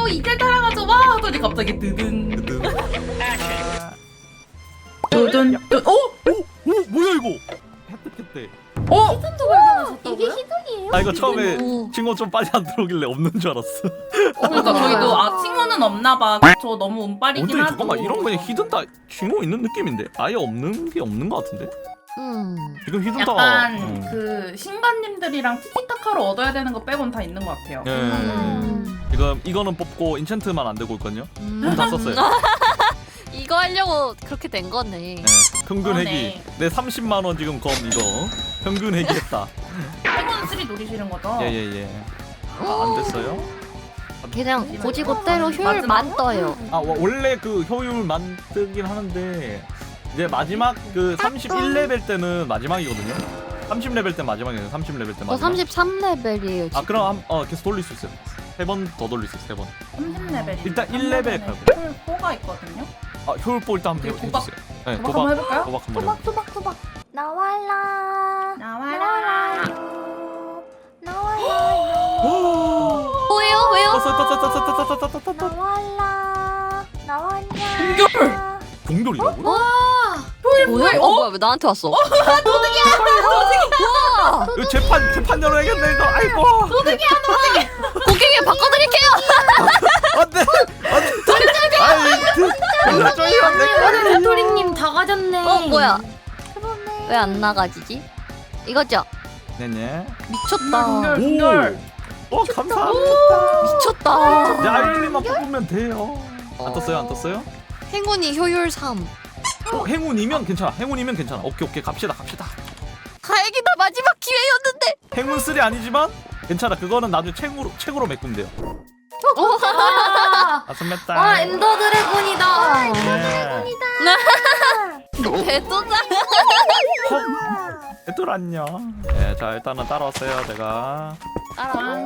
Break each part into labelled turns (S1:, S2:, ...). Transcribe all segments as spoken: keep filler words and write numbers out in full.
S1: 오 이때 따라가죠 와 하더니 갑자기 드든 두둔 뚜 오?
S2: 오 뭐야 이거? 획득했대.
S1: 어?
S3: 히든도 발견하셨다고요?
S4: 이게 히든이에요?
S2: 아 이거 처음에
S3: 오.
S2: 친구 좀 빨리 안 들어오길래 없는 줄 알았어.
S1: 그러니까 저희도 아 칭호는 없나봐. 저 너무 운빨이긴
S2: 어떻게
S1: 하죠.
S2: 잠깐만 이런 거에 히든 다 징후 있는 느낌인데 아예 없는 게 없는 것 같은데?
S3: 음.
S2: 지금 히든 다.
S1: 약간
S2: 음.
S1: 그 신관님들이랑 티키타카로 얻어야 되는 거 빼곤 다 있는 것 같아요.
S2: 예.
S3: 음.
S2: 지금 이거는 뽑고 인챈트만 안 되고 있거든요.
S3: 음.
S2: 돈 다 썼어요.
S3: 이거 하려고 그렇게 된 거네.
S2: 네. 평균
S1: 그러네.
S2: 회기. 내 삼십만 원 지금 검 이거 평균 회기했다.
S1: 행운 쓰리 노리시는 거죠?
S2: 예예예. 아, 안 됐어요?
S3: 그냥 고지고대로 효율 만 떠요.
S2: 아 와, 원래 그 효율 만들긴 하는데 이제 마지막 그 삼십일 레벨 때는 마지막이거든요. 삼십 레벨 때 마지막이에요. 삼십 레벨 때 마지막.
S3: 저 삼십삼 레벨이에요.
S2: 아 그럼 한, 어 계속 돌릴 수 있어요. 세 번 더 돌릴 수 있어요. 세 번.
S1: 삼십 레벨이
S2: 일단 일 레벨 가고.
S1: 가 있거든요.
S2: 아 효율보 일단 한번
S1: 그리고
S2: 해-
S1: 도박.
S2: 해주세요. 네,
S1: 도박 한번 해볼까요?
S2: 도박 한번
S4: 토박
S2: 해볼게요.
S4: 토박 토박 나와라
S1: 나와라.
S4: 나와라
S3: 왜요? 왜요?
S2: 따따따따따따따따따따따.
S4: 나와라 나왔냐
S1: 공격!
S2: 공돌이라고?
S1: 효율
S3: 뭐야?
S1: 뭐야?
S3: 어 뭐야? 왜 나한테 왔어? 와!
S2: 이거 재판 재판 열어야겠네 이거. 아이고.
S3: 고객님 바꿔드릴게요.
S2: 안돼 안돼. 아이 도저히 안 돼.
S4: 도토리님 다 가졌네
S3: 어 뭐야?
S4: 그러네
S3: 왜 안 나가지지? 이거죠?
S2: 네네.
S3: 미쳤다.
S1: 공격 공격.
S2: 오 감사합니다.
S3: 미쳤다.
S2: 이제 아이린만 뽑으면 돼요. 안 떴어요 안 떴어요?
S3: 행운이 효율 삼.
S2: 어, 행운이면 괜찮아. 행운이면 괜찮아. 오케이 오케이 갑시다 갑시다.
S3: 다행이다, 마지막 기회였는데.
S2: 행운 쓰리 아니지만 괜찮아. 그거는 나중에 책으로 책으로 메꾸면 돼요.
S4: 와,
S2: 아스메타.
S4: 와 엔더 드래곤이다
S2: 네.
S3: 배도다.
S2: 애들 안녕. 네, 자 일단은 따라왔어요 제가.
S3: 따라와.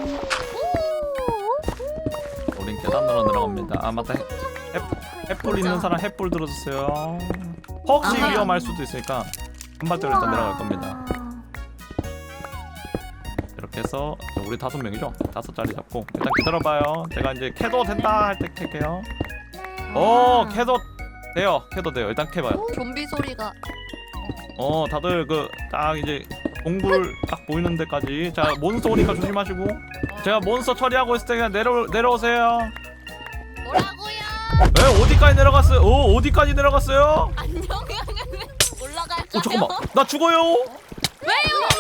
S2: 우린 계단으로 내려갑니다. 아 맞다. 해- 해- 햇불 있는 사람 햇불 들어주세요. 혹시
S3: 아하.
S2: 위험할 수도 있으니까 한 발대로 일단 내려갈 겁니다. 이렇게 해서 우리 다섯 명이죠? 다섯 자리 잡고 일단 기다려봐요. 제가 이제 캐도 된다 할 때 캘게요. 오 캐도 돼요. 캐도 돼요. 일단 캐봐요.
S3: 좀비 소리가.
S2: 어 다들 그 딱 이제 동굴 딱 보이는 데까지. 자 몬스터 오니까 조심하시고. 제가 몬스터 처리하고 있을 때 그냥 내려 내려오세요.
S3: 뭐라고요?
S2: 에 어디까지 내려갔어요? 오 어디까지 내려갔어요?
S3: 안녕. 올라갈까요?
S2: 어 잠깐만 나 죽어요.
S3: 왜요?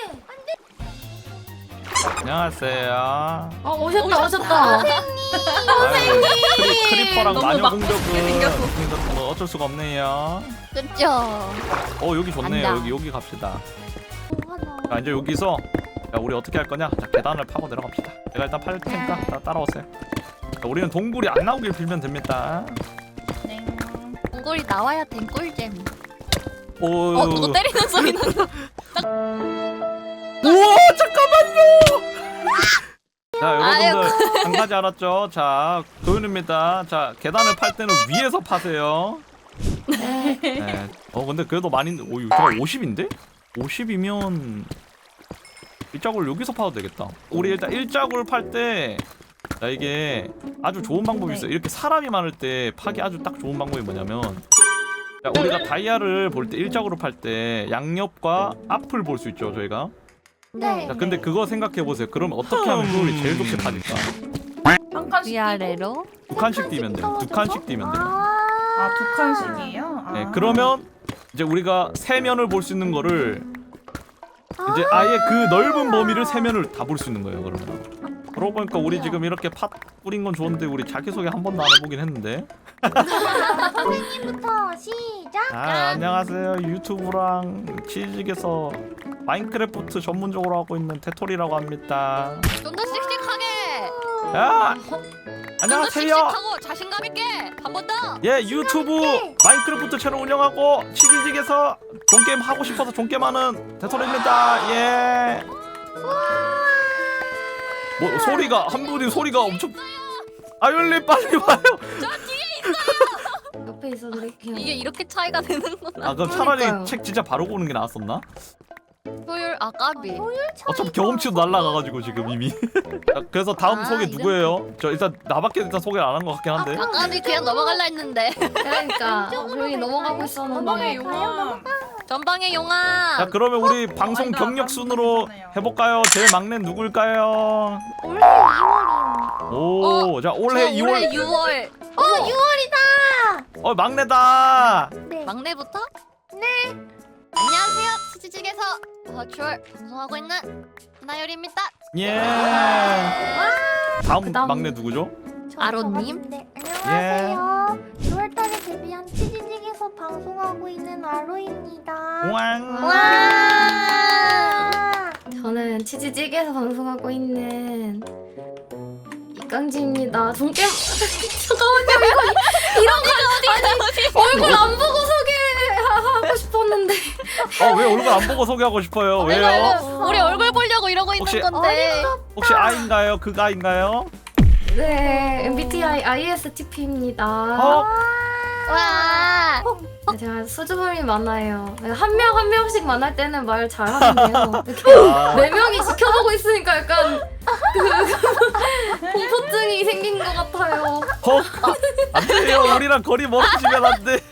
S2: 안녕하세요.
S4: 어 오셨다 오셨다
S2: 아유, 크리, 크리퍼랑
S1: 너무
S2: 마녀
S1: 막히게
S2: 공격은
S1: 생겼어.
S2: 뭐 어쩔 수가 없네요.
S3: 그쵸.
S2: 어 여기 좋네요.
S3: 간다.
S2: 여기 여기 갑시다. 자 이제 여기서 자 우리 어떻게 할 거냐? 자 계단을 파고 내려갑시다. 제가 일단 팔 테니까 다 따라오세요. 자, 우리는 동굴이 안 나오길 빌면 됩니다.
S1: 네.
S3: 동굴이 나와야 된 꿀잼.
S2: 오.
S3: 어 누구 때리는 소리 나.
S2: 우와 잠깐만요. 자 여러분들 한 가지 알았죠? 자 도윤입니다. 자 계단을 팔 때는 위에서 파세요. 네. 어 근데 그래도 많이 오 이거 오십인데? 오십이면 일자굴 여기서 파도 되겠다. 우리 일단 일자굴 팔 때 자 이게 아주 좋은 방법이 있어요. 이렇게 사람이 많을 때 파기 아주 딱 좋은 방법이 뭐냐면 자 우리가 다이아를 볼 때 일자굴로 팔 때 양옆과 앞을 볼 수 있죠 저희가.
S4: 네
S2: 자 근데 그거 생각해 보세요. 그럼 어떻게 하면 효율이 제일 좋게 파질까?
S1: 한 칸씩
S3: 위아래로.
S2: 두 칸씩 뛰면 돼요. 두 칸씩 뛰면 돼요.
S1: 아두 칸씩이에요? 아.
S2: 네, 그러면 이제 우리가 세 면을 볼 수 있는 거를 이제 아예 그 넓은 범위를 세 면을 다 볼 수 있는 거예요. 그러면. 그러고 보니까 우리 지금 이렇게 팥 뿌린 건 좋은데 우리 자기소개 한 번도 안 해보긴 했는데.
S4: 선생님부터 시작
S2: 아 안녕하세요. 유튜브랑 치즈직에서 마인크래프트 전문적으로 하고 있는 테토리라고 합니다.
S3: 좀 더 씩씩하게.
S2: 야
S3: 좀 더
S2: 안녕하세요.
S3: 씩씩하고 자신감 있게. 한 번 더.
S2: 예 유튜브 마인크래프트 채널 운영하고 치즈직에서 종게임 하고 싶어서 종게임 하는 테토리입니다. 예. 뭐 소리가 한 분이 소리가 엄청 아율님 빨리 와요.
S4: 옆에 있어 드릴게요
S3: 이게 이렇게 차이가 되는구나.
S2: 아 그럼 차라리
S4: 그러니까요.
S2: 책 진짜 바로 고는 게 나았었나?
S3: 효율 아 까비.
S2: 어차피 경험치도 날라가가지고 지금 이미. 자, 그래서 다음
S3: 아,
S2: 소개
S3: 이런
S2: 누구예요? 저 일단 나밖에 일단 소개를 안 한 것 같긴 한데.
S3: 아 까비 그냥 넘어갈라 했는데.
S4: 그러니까 조용히 넘어가고
S1: 전방에
S4: 있었는데.
S1: 용암.
S3: 전방의 용암.
S2: 자 그러면 우리 방송
S1: 아니다,
S2: 경력
S1: 방송
S2: 순으로
S1: 괜찮아요.
S2: 해볼까요? 제일 막내 누굴까요?
S4: 올해 이월이요.
S2: 오, 자 올해
S3: 저
S2: 이월.
S3: 올해 유월.
S4: 어 유월이다.
S2: 어 막내다.
S4: 네.
S3: 막내부터? 네. 안녕하세요. 치즈직에서 버추얼 방송하고 있는 하나열입니다.
S2: 예. 다음
S4: 그다음-
S2: 막내 누구죠?
S4: 저-
S3: 아로님?
S4: 저 같은데. 안녕하세요. 유월달에 데뷔한 치즈직에서 방송하고 있는 아로입니다.
S2: 왕.
S4: 와.
S5: 저는 치즈직에서 방송하고 있는 이깡지입니다. 종깨 잠깐만요 이거 이런 거 아니 얼굴 안 보고 소개하고 싶었는데
S2: 어 왜 얼굴 안 보고 소개하고 싶어요? 왜요?
S3: 우리 얼굴 보려고 이러고
S2: 혹시-
S3: 있는 건데.
S2: 혹시 아인가요? 그가인가요?
S5: 네 엠비티아이 아이에스티피입니다.
S2: 어?
S3: 와.
S5: 제가 수줍음이 많아요. 한 명 한 명씩 만날 때는 말 잘하는데요. 이렇게
S2: 아,
S5: 네 명이 지켜보고 있으니까 약간 그 공포증이 생긴 것 같아요.
S2: 어? 안 돼요. 우리랑 거리 멀어지면 안 돼.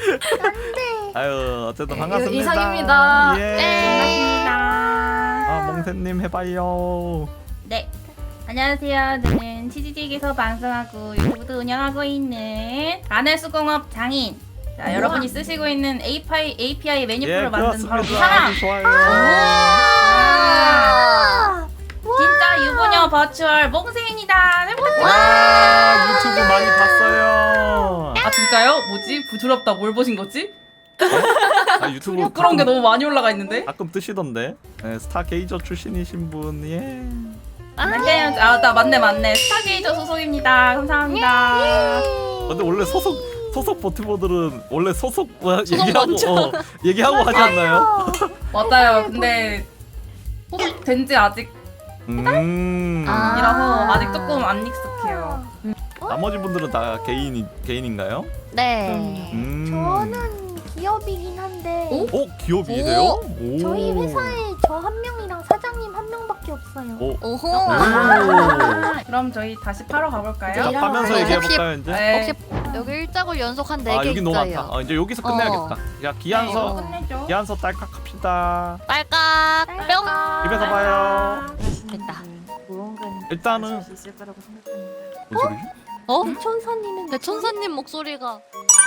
S2: 아유 어쨌든 반갑습니다.
S5: 이상입니다.
S2: 예.
S3: 네.
S2: 아 몽태님 해봐요.
S1: 네. 안녕하세요. 저는 치즈직에서 방송하고 유튜브도 운영하고 있는 아날수공업 장인. 자, 여러분이 쓰시고 있는 에이피아이, 에이피아이 메뉴표를
S2: 예
S1: 만든 바로 그
S2: 그렇습니다.
S1: 사람.
S2: 아주 좋아요.
S1: 아, 진짜 유부녀 버추얼 몽세입니다. 잘 부탁드려요.
S2: 와 유튜브 많이 봤어요.
S1: 아 진짜요? 뭐지? 부드럽다. 뭘 보신 거지?
S2: 아 유튜브
S1: 부끄러운 게 너무 많이 올라가 있는데?
S2: 가끔 뜨시던데. 네, 스타 게이저 출신이신 분 예.
S1: 맞네요. 아, 나 맞네 맞네. 스타게이저 소속입니다. 감사합니다.
S2: 근데 원래 소속 소속 버티버들은 원래 소속 뭐,
S3: 소속
S2: 얘기하고
S3: 먼저.
S2: 어, 얘기하고 하지 않나요?
S1: 맞아요. 근데 소속된지 아직이라서
S2: 음.
S3: 아.
S1: 아직 조금 안 익숙해요.
S2: 나머지 분들은 다 개인 개인인가요?
S3: 네.
S2: 음.
S4: 저는 기업이긴 한데
S5: 오?
S2: 어 기업이세요? 오.
S4: 저희 회사에 저 한 명이랑 사장님 한 명밖에 없어요.
S2: 오.
S3: 오호.
S2: 오.
S1: 아, 그럼 저희 다시 파러 가볼까요?
S2: 자, 파면서
S3: 혹시-
S2: 얘기해 볼까요 이제?
S1: 네.
S3: 혹시 여기 일자골 연속 한 네
S2: 아
S3: 개
S2: 여기 너무
S3: 있어요.
S2: 많다. 어, 이제 여기서 끝내야겠다. 야
S1: 네,
S2: 기한서
S1: 이거 끝내죠.
S2: 기한서 딸깍합시다.
S3: 빨깍 뿅.
S2: 입에서 봐요.
S3: 됐다.
S2: 일단은 뭔 소리지?
S3: 어?
S4: 대천사님은
S3: 대천사님 목소리가.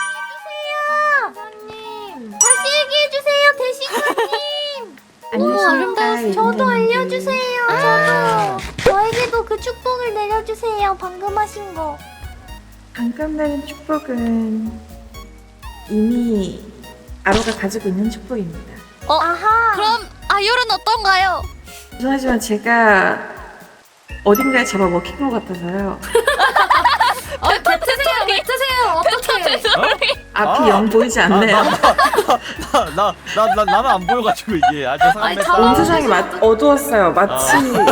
S4: 대천사님 다시 얘기해 주세요 대신사님.
S3: 너무 아름다웠어.
S4: 저도 알려주세요. 저도 저에게도 그 축복을 내려주세요. 방금 하신 거.
S6: 방금 내린 축복은 이미 아로가 가지고 있는 축복입니다.
S4: 아하.
S3: 그럼 아율은 어떤가요?
S6: 죄송하지만 제가 어딘가에 잡아먹힌 것 같아서요.
S5: 아, 뱉으세요, 뱉으세요. 어떡해.
S6: 앞이
S2: 아.
S6: 영 보이지 않네요.
S2: 나나 나 나 나는 안 보여가지고 이게 아
S5: 아니,
S2: 죄송합니다.
S5: 다-
S6: 온 세상이 마, 어두웠어요. 마치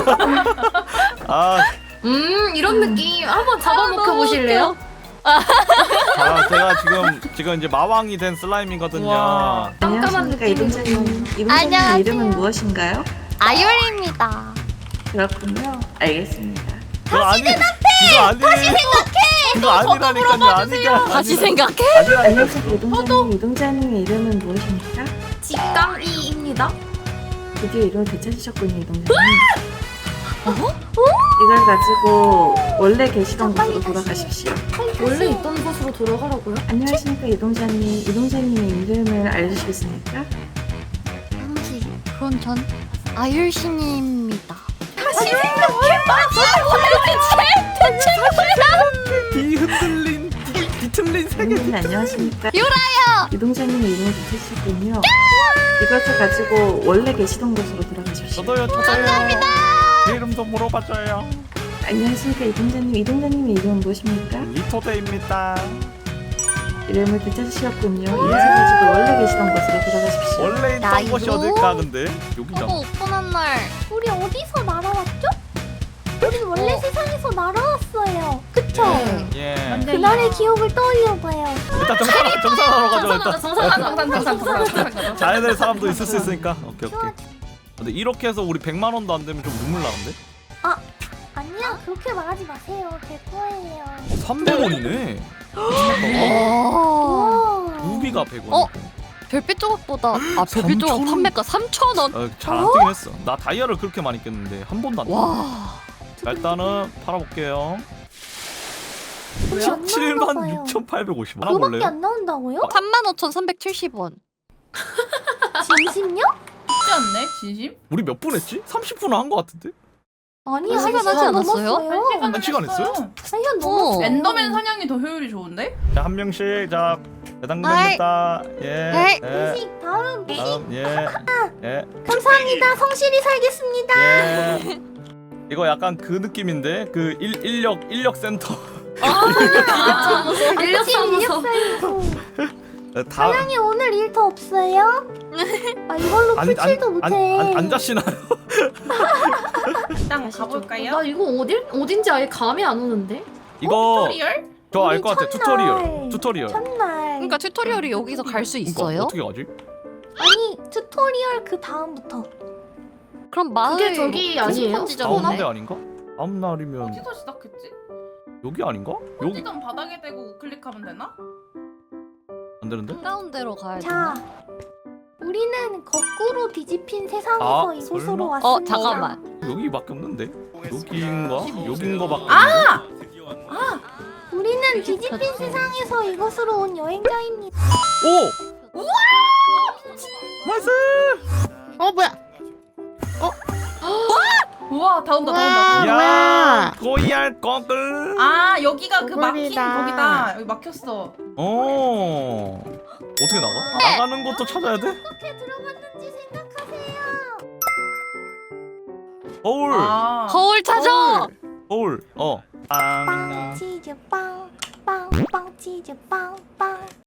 S2: 아,
S5: 음, 이런 느낌. 한번 잡아먹혀 보실래요?
S2: 아 제가 지금 지금 이제 마왕이 된 슬라임이거든요.
S1: 우와.
S5: 깜깜한
S6: 안녕하십니까
S5: 느낌이
S6: 이동자님. 이동자님
S3: 안녕하세요.
S6: 이름은 무엇인가요?
S3: 아율입니다.
S6: 그렇군요. 알겠습니다.
S2: 그거 아니 이거 아니 다시 생각해. 이거 아니라니까요. 아니가
S3: 다시 생각해.
S2: 아니라
S6: 안녕하십니까 이동자님. 이동자님의 이름은 무엇입니까?
S5: 직강이입니다.
S6: 드디어 이름을 되찾으셨군요 이동자님. 이걸 가지고 원래 계시던 곳으로 돌아가십시오.
S5: 원래 있던 곳으로 돌아가라고요?
S6: 안녕하십니까 이동자님. 이동자님의 이름을 알려주시겠습니까?
S3: 당시 그건 전 아율신입니다.
S2: 이 흔들린 뒤- 뒤틀린 세계.
S6: 이동자님 안녕하십니까?
S3: 유라야.
S6: 이동자님의 이름을 되찾으셨군요. 이것을 가지고 원래 계시던 곳으로 돌아가십시오.
S2: 저도요 저도요. 제 이름도 물어봐줘요.
S6: 안녕하십니까 이동자님. 이동자님의 이름은 무엇입니까?
S2: 리토데입니다.
S6: 이름을 되찾으셨군요. 이것을 가지고 원래 계시던 곳으로 돌아가십시오.
S2: 원래
S3: 나
S2: 있던 곳이
S3: 이거?
S2: 어딜까 근데 여기잖아.
S3: 저거 오픈한 날.
S4: 우리 어디서 날아왔죠? 우리 원래
S3: 어.
S4: 세상에서 날아왔어요. 그쵸?
S2: 예.
S4: 그날의 기억을 떠올려봐요.
S2: 일단 정산 정산하러 가죠
S5: 정산하자,
S2: 일단.
S5: 정산하자.
S1: 정상 정상 정상 정상.
S2: 자연의 사람도 있을 수 있으니까. 오케이 오케이.
S4: 좋아.
S2: 근데 이렇게 해서 우리 백만 원도 안 되면 좀 눈물 나는데?
S4: 아니야 그렇게 말하지 마세요. 제 거예요.
S2: 삼백 원이네.
S3: 와.
S4: 와.
S2: 무비가 백 원.
S3: 어? 별빛 조각보다 아 별빛 조각
S2: 삼천 원?
S3: 판매가 삼천 원.
S2: 어, 잘안 뜨긴 했어. 나 다이아를 그렇게 많이 깼는데 한 번도 안 떴어.
S3: 와.
S2: 자, 일단은 팔아볼게요.
S4: 왜요?
S2: 십칠만 육천팔백오십 원. 하나
S4: 그거밖에
S2: 볼래요?
S4: 안 나온다고요?
S3: 삼만 오천삼백칠십 원.
S4: 진심요?
S1: 쉽지 않네 진심?
S2: 우리 몇 분 했지? 삼십 분은 한 거 같은데?
S4: 아니
S3: 한
S4: 한
S3: 시간
S4: 시간
S3: 하지 않았어요?
S4: 넘었어요.
S2: 한 시간 했어요?
S4: 한 시간 넘었어.
S3: 어.
S1: 엔더맨 사냥이 더 효율이 좋은데?
S2: 자, 한 명씩 자 배당
S3: 아이.
S2: 됩니다. 예.
S3: 아이.
S2: 예.
S4: 미식 다음 미식
S2: 다음 예. 예.
S4: 감사합니다. 성실히 살겠습니다.
S2: 예. 이거 약간 그 느낌인데 그 일, 인력 인력 센터.
S5: 일렸사무소.
S2: 다
S4: 사장님 오늘 일 더 없어요? 아 이걸로
S2: 안-
S4: 풀칠도
S2: 안-
S4: 못해.
S2: 안, 안 자시나요?
S1: 일단 가볼까요?
S5: 나 이거 어딜 어딘지 아예 감이 안 오는데.
S2: 이거
S1: 튜토리얼?
S2: 저 알 것 같아.
S4: 우리
S2: 튜토리얼.
S4: 첫날.
S2: 튜토리얼.
S4: 첫날.
S3: 그러니까 튜토리얼이 여기서 갈 수
S2: 그러니까
S3: 있어요?
S2: 어떻게 가지?
S4: 아니 튜토리얼 그 다음부터.
S3: 그럼 마을
S5: 그게 저기 아니에요?
S2: 다음
S3: 지점인데?
S2: 날 아닌가? 다음 날이면
S1: 어디서 시작했지?
S2: 여기 아닌가? 여기
S1: 어디든 바닥에 대고 우클릭하면 되나?
S2: 안 되는데?
S3: 가운데로 가야
S4: 자,
S3: 되나?
S4: 우리는 거꾸로 뒤집힌 세상에서
S2: 아,
S4: 이곳으로
S2: 설마?
S4: 왔습니다.
S3: 어 잠깐만.
S2: 여기밖에 없는데? 여기인가? 여긴 거밖에
S1: 아!
S4: 우리는 뒤집힌 세상에서 이곳으로 온 여행자입니다.
S2: 오! 나이스!
S3: 어 뭐야?
S1: 우와 다 온다 다 온다.
S2: 야, 고이알 거글.
S1: 아 여기가 그 막힌
S4: 거글이다.
S1: 거기다. 여기 막혔어.
S2: 어. 어떻게 나가? 나가는 것도 찾아야 돼?
S4: 어떻게 들어갔는지 생각하세요.
S2: 거울.
S1: 아.
S3: 거울 찾아.
S2: 거울. 어.
S4: 빵
S2: 빵.
S4: 치즈 빵, 빵 빵 치즈 빵 빵.